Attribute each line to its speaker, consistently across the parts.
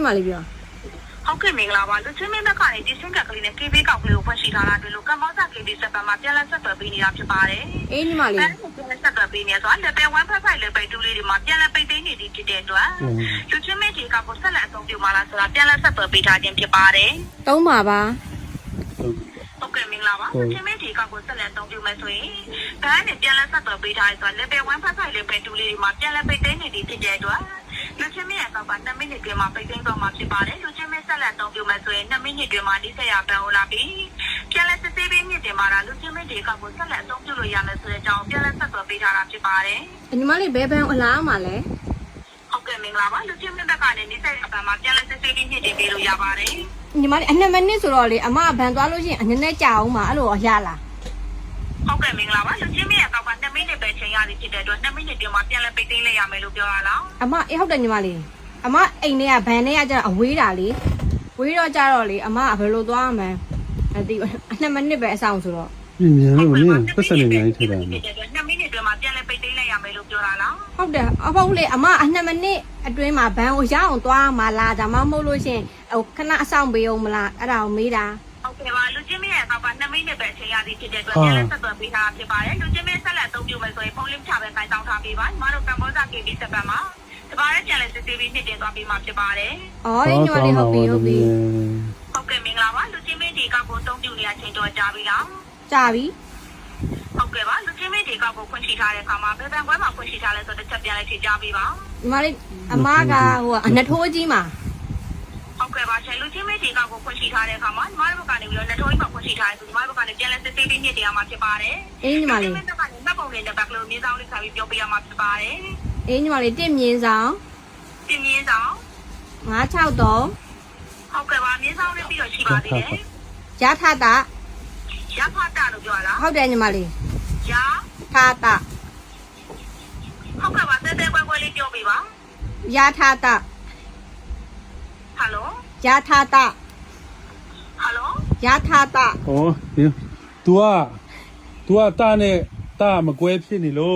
Speaker 1: မှာလေးပြော
Speaker 2: ဟုတ်ကဲ့မင်္ဂလာပါလူချင်းမင်းဘက်ကနေဒီစင်ကကလေးနဲ့ KB ကောက်ကလေးကိုဖွင့်ရှိထားတာတွေ့လို့ကမ္ဘောဇာ KB စက်ပတ်မှာပြန်လက်ဆက်သွယ်ပေးနေတာဖြစ်ပါတယ်
Speaker 1: အေးညီမလေး
Speaker 2: ပြန်လက်ဆက်သွယ်ပေးနေဆိုတော့ level 1 5 level 2လေးတွေမှာပြန်လက်ပိတ်သိမ်းနေသည်ဖြစ်တဲ့အတွက်လူချင်းမင်းဒီကောက်ကိုဆက်လက်အသုံးပြုမှာလားဆိုတာပြန်လက်ဆက်သွယ်ပေးထားခြင်းဖြစ်ပါတယ်
Speaker 1: သုံးပါပါ
Speaker 2: ဟုတ်ကဲ့မင်္ဂလာပါလူချင်းမင်းဒီကောက်ကိုဆက်လက်အသုံးပြုမယ်ဆိုရင်ဘန်းနဲ့ပြန်လက်ဆက်သွယ်ပေးထားရဆိုတော့ level 1 5 level 2လေးတွေမှာပြန်လက်ပိတ်သိမ်းနေသည်ဖြစ်တဲ့အတွက်လူချင်းမင်းရဲ့ကောက်က2မိနစ်တွင်မှာပိတ်သိမ်းသွားမှာဖြစ်ပါတယ်လူချင်းမင်းဆက်လက်အသုံးပြုမယ်ဆိုရင်2မိနစ်တွင်မှာဒီဆက်ရပန်ဟိုလာပြီးပြန်လက်စစ်ဆေးပေးမြင့်တင်မှာဒါလူချင်းမင်းဒီကောက်ကိုဆက်လက်အသုံးပြုလို့ရမယ်ဆိုတဲ့အကြောင်းပြန်လက်ဆက်သွယ်ပေးထားတာဖြစ်ပါတယ်
Speaker 1: ညီမလေးဘယ်ဘန်အလားမှာလဲ
Speaker 2: ဟုတ်ကဲ့မင်္ဂလာပါလူချင်းမင်းဘက်ကနေဒီဆက်ရပန်မှာပြန်လက်စစ်ဆေးပေးမြင့်တင်ပေးလို့ရပါတယ်
Speaker 1: ညီမလေးအ2မိနစ်ဆိုတော့လေအမဘန်သွားလို့ရှိရင်အနည်းနဲ့ကြာအောင်ပါအဲ့လိုရလား
Speaker 2: ဟုတ်ကဲ့မင်္ဂလာပါလူချင်းမင်းရဲ့ကောက်က2မိနစ်ပဲချိန်ရသည်ဖြစ်တဲ့အတွက်2မိနစ်တွင်မှာပြန်လက်ပိတ်သိမ်းလိုက်ရမယ်လို့ပြောရလား
Speaker 1: အမအေးဟုတ်တယ်ညီမလေးအမအိမ်ထဲကဘန်ထဲကကျတော့အဝေးတာလေဝေးတော့ကြတော့လေအမဘယ်လိုသွားမှန်းအတိ2မိနစ်ပဲအဆောင်ဆိုတော့
Speaker 3: မြန်လို့နင်းပတ်စံနေနေထည့်တာ
Speaker 2: 2မိနစ်တွင်မှာပြန်လက်ပိတ်သိမ်းလိုက်ရမယ်လို့ပြောတာလား
Speaker 1: ဟုတ်တယ်အဖေလေအမ2မိနစ်အတွင်းမှာဘန်ကိုရအောင်သွားမှလားဒါမှမဟုတ်လို့ရှင်ဟိုခဏအဆောင်ပေးအောင်မလားအဲ့ဒါကိုမေးတာ
Speaker 2: ဟုတ်ကဲ့ပါလူချင်းမင်းရဲ့ကောက်က2မိနစ်ပဲချိန်ရသည်ဖြစ်တဲ့အတွက်ပြန်လက်ဆက်သွယ်ပေးထားဖြစ်ပါတယ်လူချင်းမင်းဆက်လက်အသုံးပြုမယ်ဆိုရင်ဖုန်းလင်းချပဲခိုင်းတောင်းထားပေးပါညီမတို့ကမ္ဘောဇာ KB စက်ပတ်မှာတပါးရဲ့ပြန်လက်စစ်ဆေးပြီးနှစ်တင်သွားပေးမှာဖြစ်ပါတယ်
Speaker 1: ။အော်ညီမလေးဟုတ်ပြီဟုတ်ပြီ
Speaker 2: ။ဟုတ်ကဲ့မင်္ဂလာပါလူချင်းမင်းဒီကောက်ကိုအသုံးပြုနေရချိန်တော့ကြာပြီလား
Speaker 1: ။ကြာပြီ
Speaker 2: ။ဟုတ်ကဲ့ပါလူချင်းမင်းဒီကောက်ကိုဖွင့်ရှိထားတဲ့အခါမှာဘယ်ဘန်ကွဲမှာဖွင့်ရှိထားလဲဆိုတော့တစ်ချက်ပြန်လိုက်ဖြေကြားပေးပါ
Speaker 1: ။ညီမလေးအမကဟိုအနထိုးကြီးမှာ
Speaker 2: ဟုတ်ကဲ့ပါရှင်လူချင်းမင်းဒီကောက်ကိုဖွင့်ရှိထားတဲ့အခါမှာညီမတို့ဘက်ကနေပြီးတော့နထိုးကြီးမှာဖွင့်ရှိထားတယ်ဆိုညီမတို့ဘက်ကနေပြန်လက်စစ်ဆေးပြီးနှစ်တင်ရမှာဖြစ်ပါတယ်
Speaker 1: ။အေးညီမလေး
Speaker 2: လူချင်းမင်းဘက်ကနေမှတ်ပုံနဲ့ဘက်ကလေးမြေဆောင်လေးခါပြီးပြောပြရမှာဖြစ်ပါတယ်
Speaker 1: ။အေးညီမလေး1မြင်းဆောင်
Speaker 2: တင်မြင့်ဆောင်
Speaker 1: 963
Speaker 2: ဟုတ်ကဲ့ပါမြင့်ဆောင်လေးပြီးတော့ရှိပါသေးတယ်
Speaker 1: ရထတာ
Speaker 2: ရဖတာလို့ပြောလား
Speaker 1: ဟုတ်တယ်ညီမလေး
Speaker 2: ရ
Speaker 1: ထတာ
Speaker 2: ဟုတ်ကဲ့ပါတဲတဲကွဲကွဲလေးပြောပေးပါ
Speaker 1: ရထတာ
Speaker 2: ဟယ်လို
Speaker 1: ရထတာ
Speaker 2: ဟယ်လို
Speaker 1: ရထတာ
Speaker 3: ဩဒီ तू ကတာနဲ့တာမကွဲဖြစ်နေလို့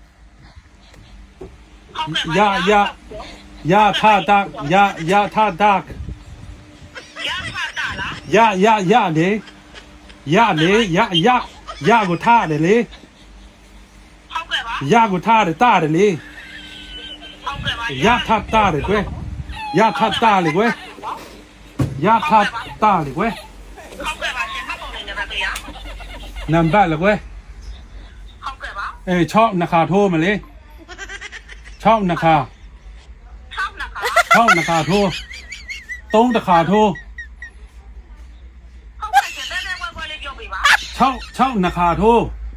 Speaker 3: ရထတာရထတာ
Speaker 2: ရဖတာလား
Speaker 3: ရလေရကိုထားတယ်လေ
Speaker 2: ဟုတ်ကဲ့ပါ
Speaker 3: ရကိုထားတယ်တာတယ်လေ
Speaker 2: ဟုတ်ကဲ့ပါ
Speaker 3: ရထတာလေကွယ်ရထတာလေကွယ်ရထတာလေကွယ်
Speaker 2: ဟုတ်ကဲ့ပါရှင်မှတ်ပုံလေးနဲ့ပဲကြရ
Speaker 3: နံပါတ်လေကွယ်
Speaker 2: ဟုတ်ကဲ့ပါ
Speaker 3: ချောက်နှခါထိုးမလေးချောက်နှခါ6 နှခါထိုး3 တခါထိုး
Speaker 2: ဟုတ်ကဲ့ရှင်တဲတဲကွဲကွဲလေးပြောပေးပါ
Speaker 3: 6 နှခါထိုး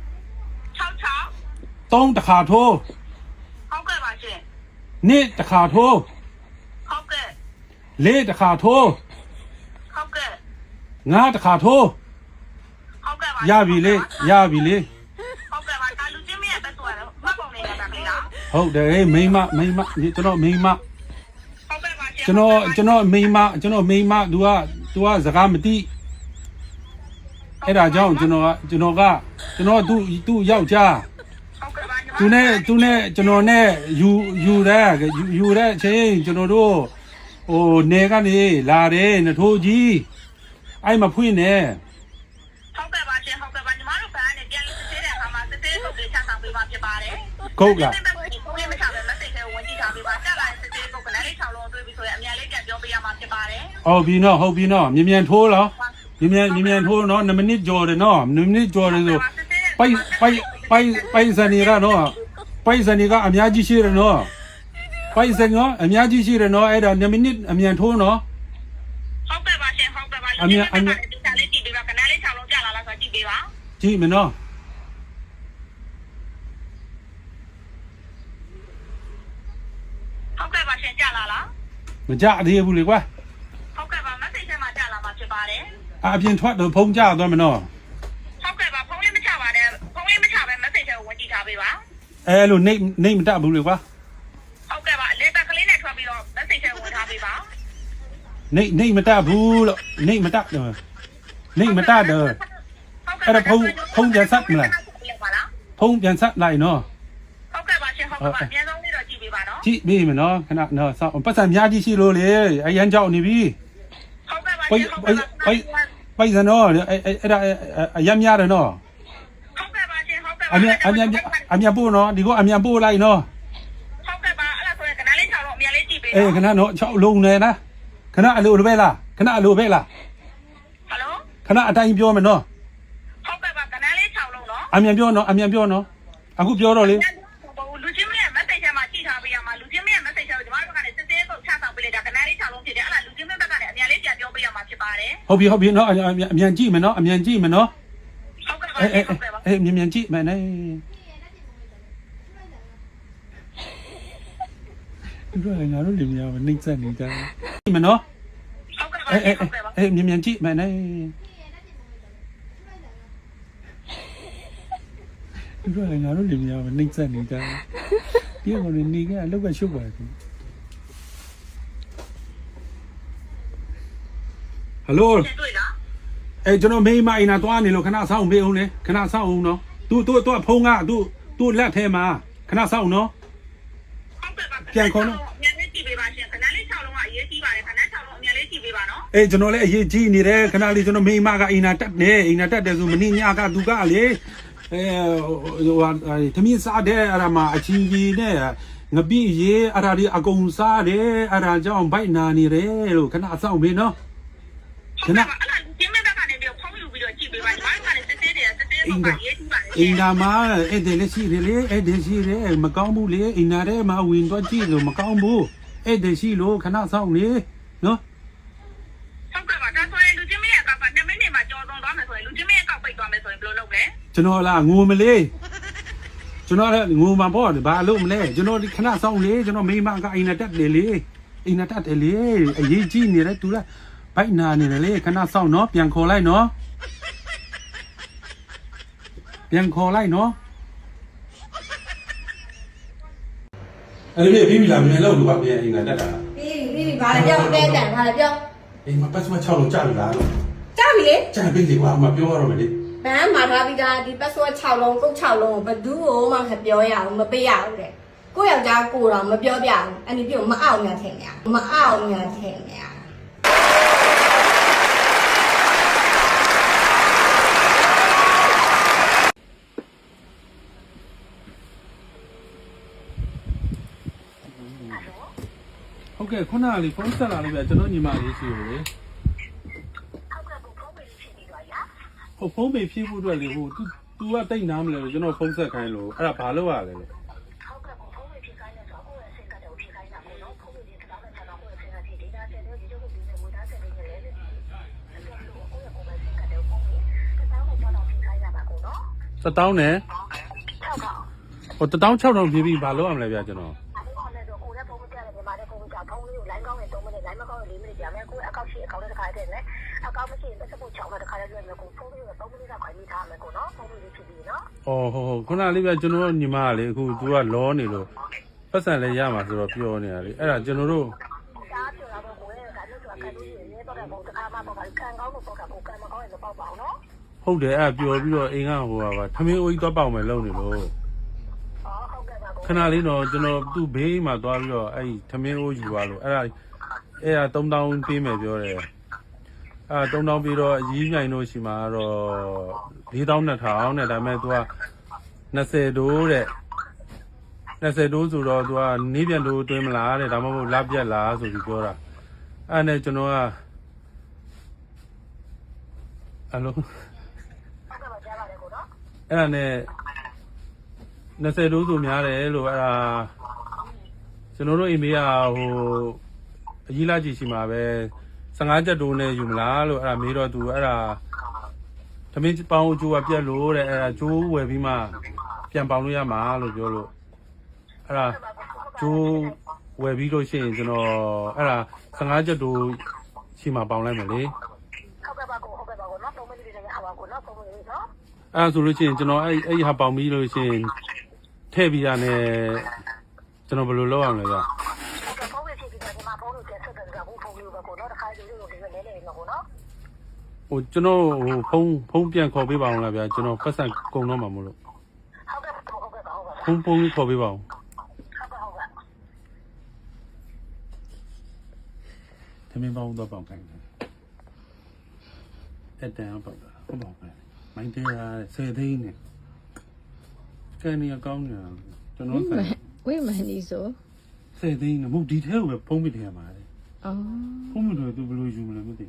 Speaker 3: 3 တခါထိုး
Speaker 2: ဟုတ်ကဲ့ပါရှင်
Speaker 3: 2 တခါထိုး
Speaker 2: ဟုတ်ကဲ့
Speaker 3: 4 တခါထိုး
Speaker 2: ဟုတ်ကဲ့
Speaker 3: 5 တခါထိုး
Speaker 2: ဟုတ်ကဲ့ပါ
Speaker 3: ရပြီလေ
Speaker 2: ဟုတ်ကဲ့ပါဒါလူချင်းမရဲ့ပဲဆိုရတော့မှတ်ပုံလေးနဲ့ပဲလား
Speaker 3: ဟုတ်တယ်မိမကျွန်တော်မိမကျွန်တော်မိမतू ကစကားမသိအဲ့ဒါကြောင့်ကျွန်တော်သူ့ယောက်ျားသူနဲ့ကျွန်တော်နဲ့ယူတဲ့အချိန်ကျွန်တော်တို့ဟိုနေကနေလာတယ်နထိုးကြီးအဲ့မဖွင့်နဲ့
Speaker 2: ဟုတ်ကဲ့ပါရှင်ဟုတ်ကဲ့ပါညီမတို့ဘာနဲ့ပြန်လို့စစ်သေးတဲ့အခါမှာစစ်သေးပုတ်လေးချဆောင်ပေးပါဖြစ်ပါတယ်
Speaker 3: ကုတ်လား
Speaker 2: ဘုန်းကြီးမချပဲမသိခဲဝင်ကြည့်ထားပေးပါတက်လာစစ်သေးပုတ်ကလည်း6လုံးတွေးပြီးဆိုရင်အများလေးပြန်ပြောပေးရမှာဖြစ်ပါတယ်
Speaker 3: ဟုတ်ပြီနော်မြန်ထိုးလားမြန်ထိုးနော်2မိနစ်ကြော်တယ်နော်2မိနစ်ကြော်တယ်ဆိုပိုက်စံနေရနော်ပိုက်စံနေကအများကြီးရှိတယ်နော်ပိုက်စံကအများကြီးရှိတယ်နော်အဲ့ဒါ2မိနစ်အမြန်ထိုးနော်
Speaker 2: ဟုတ်ကဲ့ပါရှင်ဟုတ်ကဲ့ပါအမြန်ဒီစားလေးကြည့်ပေးပါကနလေး6လုံးကြာလာလားဆိုကြည့်ပေးပါ
Speaker 3: ကြည့်မနော်
Speaker 2: ဟုတ်ကဲ့ပါရှင်ကြာလာလား
Speaker 3: မကြသေးဘူးလေကွာ
Speaker 2: ဟုတ်ကဲ့ပါ message ထဲမှာကြာလာမှာဖြစ်ပါတယ်
Speaker 3: အပြင်ထွက်တော့ဖုန်းကြသွားမနော်
Speaker 2: ဟုတ်ကဲ့ပါဖုန်းလေးမချပါနဲ့ဖုန်းလေးမချပဲ message ထဲကိုဝင်ကြည့်ထားပေးပါ
Speaker 3: အဲ့လိုနေမတတ်ဘူးလေကွာ
Speaker 2: ဟုတ်ကဲ့ပါလေဘက်ကလေးနဲ့ထွက်ပြီးတော့ message ထဲဝင်ထားပေးပါ
Speaker 3: နေမတတ်ဘူးလို့နေမတတ်တယ်အဲ့ဒါဖုန်းပြန်ဆက်မလားဖုန်းပြန်ဆက်လိုက်နော်
Speaker 2: ဟုတ်ကဲ့ပါရှင်ဟုတ်ကဲ့ပါပြန်ဆုံးလေးတော့ကြည့်ပေးပါနော်
Speaker 3: ကြည့်မိမနော်ခဏနော်စောင့်ပတ်စံများကြီးရှိလို့လေအရန်ကြောက်နေပြီ
Speaker 2: ဟုတ်ကဲ့ပါရှင်ဟုတ်ကဲ့ပါ
Speaker 3: ပိုက်စံနော်အဲ့ဒါအရန်များတယ်နော်
Speaker 2: ဟုတ်ကဲ့ပါရှင်ဟုတ်ကဲ့ပါ
Speaker 3: အမြန်ပို့နော်ဒီကအမြန်ပို့လိုက်နော်
Speaker 2: ဟုတ်ကဲ့ပါအဲ့ဒါဆိုရင်ခဏလေးချောင်းတော့အမြန်လေးကြည့်ပေး
Speaker 3: အေးခဏနော်6လုံးနေလားခဏအလိုပဲလားခဏအလိုပဲလား
Speaker 2: ဟယ်လို
Speaker 3: ခဏအတိုင်းပြောမယ်နော်
Speaker 2: ဟုတ်ကဲ့ပါခဏလေးချောင်းလုံးနော်
Speaker 3: အမြန်ပြောနော်အမြန်ပြောနော်အခုပြောတော့လေ
Speaker 2: လူချင်းမရဲ့ message ထဲမှာကြည့်ထားပေးရမှာလူချင်းမရဲ့ message ထဲကိုကျွန်တော်တို့ကလည်းစစ်သေးပုတ်ချဆောင်ပေးလိုက်တာခဏလေးချောင်းလုံးဖြစ်တယ်အဲ့ဒါလူချင်းမဘက်ကလည်းအမြန်လေးပြန်ပြောပေးရမှာဖြစ်ပါတယ်
Speaker 3: ဟုတ်ပြီနော်အမြန်ကြည့်မယ်နော်အမြန်ကြည့်မယ်နော်
Speaker 2: ဟုတ်ကဲ့ပါဟုတ်ကဲ့ပါ
Speaker 3: အေးမြန်ကြည့်မယ်နဲ့ဒီလိုငါတို့လင်မယားမနှိမ့်ဆက်နေကြတယ်ကြည့်မယ်နော်
Speaker 2: ဟုတ်ကဲ့ပါဟုတ်ကဲ့ပါ
Speaker 3: အေးမြန်ကြည့်မယ်နဲ့ဒီလိုငါတို့လင်မယားမနှိမ့်ဆက်နေကြတယ်ဒီကောင်နေကအလောက်ကရှုပ်ပါတယ်ဟယ်လို
Speaker 2: တွေ့လား
Speaker 3: အဲကျွန်တော်မိမအိမ်နာသွားနေလို့ခဏဆောင်းပေးအောင်လေခဏဆောင်းအောင်နော်သူဖုန်းကသူလက်ထဲမှာခဏဆောင်းနော်
Speaker 2: ဟုတ်ကဲ့ပါပြန်ခေါ်တော့အမြန်လေးကြည့်ပေးပါရှင်ခဏလေး6လုံးကအရေးကြီးပါတယ်ခဏ6လုံးအမြန်လေးကြည့်ပေးပါနော်
Speaker 3: အေးကျွန်တော်လည်းအရေးကြီးနေတယ်ခဏလေးကျွန်တော်မိမကအိမ်နာတက်နေအိမ်နာတက်တယ်ဆိုမင်းညကသူကလေသမီးစားတဲ့အဲ့ဒါမှာအချင်းကြီးနဲ့ငပိရေအဲ့ဒါဒီအကုန်စားတယ်အဲ့ဒါကြောင့်ဘိုက်နာနေတယ်လို့ခဏဆောင်းပေးနော်ခဏ
Speaker 2: အဲ့ဒါကျင်းမဲ့ဘက်ကနေပြီးဖုန်းယူပြီးတော့ကြည့်ပေးပါညီမတို့ကလည်းစစ်သေးတယ်စစ်သေးတော့ကရေးကြည့်ပါလေ
Speaker 3: အိမ်နာမှာအဲ့ဒီလက်ရှိတယ်လေအဲ့ဒီရှိတယ်မကောင်းဘူးလေအိမ်နာထဲမှာဝင်တော့ကြည့်လို့မကောင်းဘူးအဲ့ဒီရှိလို့ခဏဆောင်လေနော်
Speaker 2: ဟုတ်ကဲ့ပါဒါဆိုရင်လူချင်းမရဲ့အကောက်က2မိနစ်မှာကြော်သွန်းသွားမယ်ဆိုရင်လူချင်းမရဲ့အကောက်ပိတ်သွားမယ်ဆိုရင်ဘယ်လိုလုပ်လဲ
Speaker 3: ကျွန်တော်လားငိုမလေးကျွန်တော်လည်းငိုမှာပေါ့ဘာလို့မလဲကျွန်တော်ဒီခဏဆောင်လေကျွန်တော်မိမကအိမ်နာတက်တယ်လေအိမ်နာတက်တယ်လေအရေးကြီးနေတယ်သူလားဘိုက်နာနေတယ်လေခဏဆောင်နော်ပြန်ခေါ်လိုက်နော်ပြန်ခေါ်လိုက်နော်အဲ့ဒီပြီးပြီလားမြန်လို့လူကပြန်အိမ်နာတက်တာ
Speaker 1: ပြီးဘာလဲပြောတဲတန်ဘာလဲပြော
Speaker 3: အိမ်မှာပတ်စမ6လုံးကြာပြီလား
Speaker 1: ကြားပြီလေ
Speaker 3: ကြာပြီလေကွာမပြောရတော့မယ်လေ
Speaker 1: ဘန်းမှာထားပြီးသားဒီ password 6လုံးကုတ်6လုံးကိုဘယ်သူ့ကိုမှမပြောရဘူးမပေးရဘူးတဲ့ကိုယောက်ျားကိုတော့မပြောပြဘူးအဲ့ဒီပြုတ်မအောင်ညာထင်ညာမအောင်ညာထင်ညာ
Speaker 3: ဟုတ်ကဲ့ခုနကလေဖုန်းဆက်လာလို့ပြကျွန်တော်ညီမလေးရှိလို့လေ
Speaker 2: ဟုတ်ကဲ့ဖုန်းပေးဖြစ်ပြီးတော့ရ
Speaker 3: ဟိုဖုန်းပေဖြည့်ဖို့အတွက်လေဟို तू ကတိတ်နားမလဲလို့ကျွန်တော်ဖုန်းဆက်ခိုင်းလို့အဲ့ဒါဘာလို့ရလဲလို့
Speaker 2: ဟုတ်ကဲ့ဖုန်းပေးဖြစ်ခိုင်းတဲ့ဆိုကိုယ့်ရဲ့စိတ်ကတော့ဖြစ်ခိုင်းတာကိုနော်ဖုန်းပေးတဲ့တောင်းတဲ့ဆောင်းကိုယ့်ရဲ့စိတ်ကဒီဒေတာဆက်တဲ့ဒီလိုကိုပြီးနေဝတ်သားဆက်နေတယ်လေအဲ့ဒါကိုကိုယ့်ရဲ့ကိုယ်ပဲစိတ်ကတော့ဖုန်းပေးတောင်းတဲ့ကြောင်းဖြစ်ခိုင်းတာပါကိုနော်
Speaker 3: 1000နဲ့
Speaker 2: 6ကောင်
Speaker 3: ဟို16000ဖြည့်ပြီးဘာလို့ရမလဲဗျကျွန်တော်
Speaker 2: အဲ့ဒါနဲ့တော့ကိုယ်ရဲ့ဖုန်းပြတယ်မြန်မာတဲ့ဖုန်းကဖုန်းလေးကို line ကောင်းရင်3မိနစ် line မကောင်းရင်4မိနစ်ကြာမယ်ကိုယ်အကောက်ရှိအကောက်နဲ့တစ်ခါတည်းနဲ့အကောက်မရှိရင်တစ်ချက်ပို့ချောင်းနဲ့တစ်ခါတည်းလွှဲမယ်ကိုဖုန်းလေးကို3မိနစ်လောက်ခိုင်းမိထားမယ်ကိုနော်ဖုန်းလေးဖြစ်ပြီးနော်
Speaker 3: ဟုတ်ခုနလေးဗျကျွန်တော်ညီမကလေအခု तू ကလောနေလို့ပတ်စံလည်းရမှာဆိုတော့ပြောနေတာလေအဲ့ဒါကျွန်တော်တို့
Speaker 2: ဒါပြောလာတော့ကိုယ်ရဲ့ဒါလို့ဆိုတာခံလို့ရရင်တော့ဘုံတစ်ခါမှပေါ့ခံကောင်းလို့ပေါ့ကကိုခံမကောင်းရင်တော့ပေါ့ပါအောင်နော်
Speaker 3: ဟုတ်တယ်အဲ့ပျော်ပြီးတော့အိမ်ကဟိုပါထမင်းအိုးကြီးသွားပေါက်မယ်လုပ်နေလို့
Speaker 2: ဟုတ်ကဲ့ပါကို
Speaker 3: ခဏလေးတော့ကျွန်တော်သူ့ဘေးမှာသွားပြီးတော့အဲ့ထမင်းအိုးယူသွားလို့အဲ့ဒါ3000ပေးမယ်ပြောတယ်အဲ့3000ပြီးတော့အကြီးမြိုင်တို့ရှိမှာတော့4200နဲ့ဒါပေမဲ့ तू က20တိုးတဲ့20တိုးဆိုတော့ तू ကနေပြန်တိုးတွင်းမလားတဲ့ဒါမှမဟုတ်လပြက်လားဆိုပြီးပြောတာအဲ့နဲ့ကျွန်တော်ကအဲ့လို
Speaker 2: ဟုတ်ကဲ့ပါကြားပါတယ်ကိုနော်
Speaker 3: အဲ့ဒါနဲ့20တိုးဆိုများတယ်လို့အဲ့ဒါကျွန်တော်တို့အိမ်မေးကဟိုအကြီးလာကြည့်ရှိမှာပဲ15ချက်တိုးနဲ့ယူမလားလို့အဲ့ဒါမေးတော့ तू အဲ့ဒါသမင်းပေါင်းအကျိုးကပြက်လို့တဲ့အဲ့ဒါကျိုးဝယ်ပြီးမှပြန်ပေါင်လို့ရမှာလို့ပြောလို့အဲ့ဒါကျိုးဝယ်ပြီးလို့ရှိရင်ကျွန်တော်အဲ့ဒါ15ချက်တိုးရှိမှာပေါင်လိုက်မယ်လေ
Speaker 2: ဟုတ်ကဲ့ပါကိုဟုတ်ကဲ့ပါကိုနော်3မိနစ်လေးနဲ့ရအောင်ကိုနော်3မိနစ်လေးနော်
Speaker 3: အဲ့ဒါဆိုလို့ရှိရင်ကျွန်တော်အဲ့ဟာပေါင်ပြီးလို့ရှိရင်ထည့်ပြီးတာနဲ့ကျွန်တော်ဘယ်လိုလုပ်ရမလဲဗျ
Speaker 2: ဟုတ်ကဲ့ဖုန်းပေးဖြစ်ပြီးတော့ဒီမှာဖုန်းကိုပြန်ဆက်တယ်ကဖုန်းလေးပဲကိုနော်တစ်ခါလေးလို့ဒီလိုလဲနေမှာကိုနော်
Speaker 3: ဟိုကျွန်တော်ဟိုဖုန်းပြန်ခေါ်ပေးပါအောင်လားဗျာကျွန်တော်ပတ်စံကုန်တော့မှာမို့လို့
Speaker 2: ဟုတ်ကဲ့ဟုတ်ကဲ့ဟုတ်ကဲ့
Speaker 3: ဖုန်းခေါ်ပေးပါအောင်
Speaker 2: ဟုတ်ကဲ့ဟုတ်ကဲ့
Speaker 3: သမင်းပေါင်းတော့ပေါင်ခိုင်းတယ်တက်တန်ပေါက်တာဟုတ်ပေါင်ခိုင်းမိုင်းသေးရ10သိန်းနဲ့ကန်နေကောင်းနေတာကျွန်တော်ဆိုင်
Speaker 4: ဝိမန်ဒီဆို
Speaker 3: 10သိန်းနဲ့မဟုတ်ဒီထဲကိုပဲဖုံးပြတယ်ရမှာလေ
Speaker 4: အော်
Speaker 3: ဖုံးမလို့သူဘယ်လိုယူမလဲမသိဘူး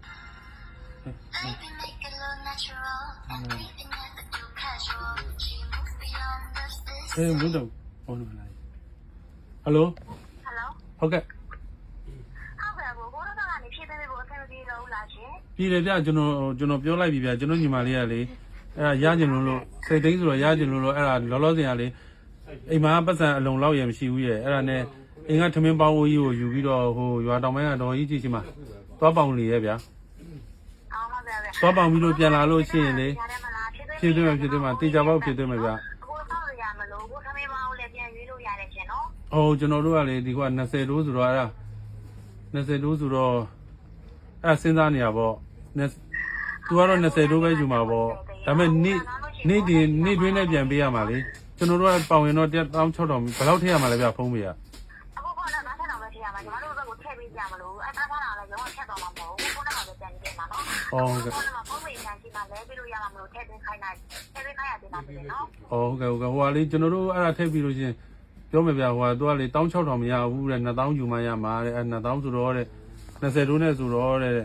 Speaker 3: ဘုဒ္ဓဘောလုံးလိုက်ဟယ်လို
Speaker 2: ဟယ်လို
Speaker 3: ဟုတ်ကဲ့
Speaker 2: ဟုတ်ကဲ့ကိုတို့ကနေဖြည့်ပေးဖို့အဆင်ပြေလို့လားရှင်
Speaker 3: ပြည်တယ်ဗျကျွန်တော်ပြောလိုက်ပြီဗျကျွန်တော်ညီမလေးကလေအဲ့ဒါရကျင်လို့စိတ်သိမ်းဆိုတော့ရကျင်လို့အဲ့ဒါလောလောဆယ်ကလေအိမ်မှာပတ်စံအလုံးလောက်ရမရှိဘူးရဲ့အဲ့ဒါနဲ့အိမ်ကထမင်းပေါင်းဝကြီးကိုယူပြီးတော့ဟိုရွာတောင်ပိုင်းကတော့ကြီးကြည့်ချင်မှာသွားပေါင်လေရဲ့ဗျာ
Speaker 2: အော်ဟုတ်ကဲ့
Speaker 3: သွားပေါင်ပြီးလို့ပြန်လာလို့ရှိရင်လေဖြည့်သွင်းမှာတေချာပေါက်ဖြည့်သွင်းမှာဗျာ
Speaker 2: ကိုစောင့်ရမလို့ကိုသမီးမအောင်လည်းပြန်ရွေးလို့ရတယ်ရှင်နော်
Speaker 3: ဟိုကျွန်တော်တို့ကလေဒီက20တိုးဆိုတော့အဲ့ဒါ20တိုးဆိုတော့အဲ့စဉ်းစားနေရပေါ့သူကတော့20တိုးပဲယူမှာပေါ့ဒါပေမဲ့နေ့တွင်းနဲ့ပြန်ပေးရမှာလေကျွန်တော်တို့ကပေါင်ရင်တော့16000ဘယ်လောက်ထည့်ရမှာလဲဗျဖုံးပေးရ
Speaker 2: အခုကတော့ငါဆက်တော့မထည့်ရမှာညီမတို့ဘက်ကိုထည့်ပေးကြမလို့အဲ့ဒါမှလည်းရောထည့်တော့မှာမဟုတ်ဘူးခုနကပဲပြန်ကြည့်မှာနော်
Speaker 3: ဟုတ်ကဲ့
Speaker 2: ခုနကပုံမှန်ပြန်ကြည့်မှာလဲပြီးလို့ရမှာမလို့ထည့်ပေးခိုင်းလိုက်ထည့်ပေးခိုင်းရတင်တာပဲနော်
Speaker 3: ဟုတ်ကဲ့ဟိုကလေကျွန်တော်တို့အဲ့ဒါထည့်ပြီးလို့ချင်းပြောမယ်ဗျဟိုကသူကလေ16000မရဘူးတဲ့2000ယူမှရမှာတဲ့အဲ့2000ဆိုတော့တဲ့20တိုးနဲ့ဆိုတော့တဲ့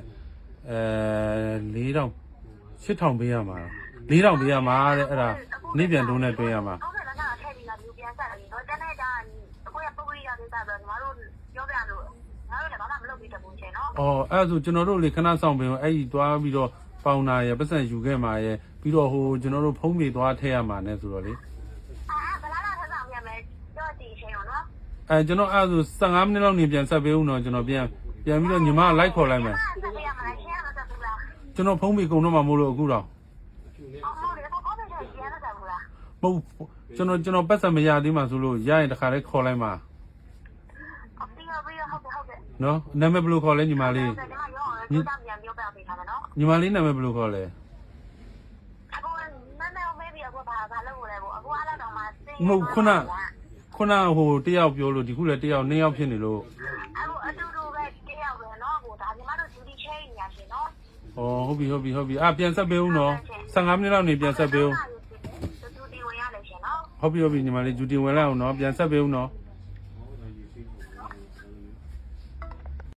Speaker 3: 4000 8000ပေးရမှာ4000ပေးရမှာတဲ့အဲ့ဒါနေ့ပြန်တိုးနဲ့တွင်းရမှာ
Speaker 2: ဟုတ်ကဲ့လားထည့်ပြီးလာပြီးပြန်ဆက်ပြီးတော့တနေ့ကျရင်အခုရပုံရိရတဲ့စားတော့ညီမတို့ပြောပြလို့ငါတို့လည်းဘာမှမလုပ်ပြီးတဘူးချင်နော်
Speaker 3: အော်အဲ့ဒါဆိုကျွန်တော်တို့လေခဏဆောင်ပင်အဲ့ဒီသွားပြီးတော့ပေါင်နာရပတ်စံယူခဲ့မှာရပြီးတော့ဟိုကျွန်တော်တို့ဖုံးပြေသွားထည့်ရမှာ ਨੇ ဆိုတော့လေ
Speaker 2: ဘလာလာထဆောင်ရမယ်တော့ဒီချင်းရောနော်
Speaker 3: ကျွန်တော်အဲ့ဒါဆို15မိနစ်လောက်နေပြန်ဆက်ပေးဦးတော့ကျွန်တော်ပြန်ပြီးတော့ညီမလိုက်ခေါ်လိုက်မယ်
Speaker 2: ဆက်ပြရမှာရှင်းရမှာဆက်ဘူးလား
Speaker 3: ကျွန်တော်ဖုံးပြေကုန်တော့မှမို့လို့အခုတော့
Speaker 2: အော်ဟုတ်တယ်ကိုပဲရှင်းရမှာဆက်ဘူးလား
Speaker 3: မဟုတ်ကျွန်တော်ပတ်စံမရသေးမှဆိုလို့ရရင်တခါလေးခေါ်လိုက်မှာ
Speaker 2: အော်ပြီးတော့ဟုတ်တယ်
Speaker 3: နော်နာမည်ဘယ်လိုခေါ်လဲညီမလေး
Speaker 2: ကျွန်တော်ရောပြန်ပြောပြပေးထားမယ်နော်
Speaker 3: ညီမလေးနာမည်ဘယ်လိုခေါ်လဲ
Speaker 2: အခုမမေမေးပြီးအခုဘာလုပ်လဲပေါ့အခုအားတော့မှစင်း
Speaker 3: မဟုတ်ခုနဟိုတယောက်ပြောလို့ဒီခုလည်းတယောက်2ယောက်ဖြစ်နေလို့
Speaker 2: အခုအတူတူပဲတယောက်ပဲနော်ကိုဒါညီမတို့ duty chain ညာရှင်နော်
Speaker 3: ဟုတ်ပြီပြန်ဆက်ပေးဦးနော်15မိနစ်လောက်နေပြန်ဆက်ပေးဦး
Speaker 2: duty ဝင်ရလဲရှင်နော်
Speaker 3: ဟုတ်ပြီညီမလေးဂျူတီဝင်လိုက်အောင်နော်ပြန်ဆက်ပေးဦးနော်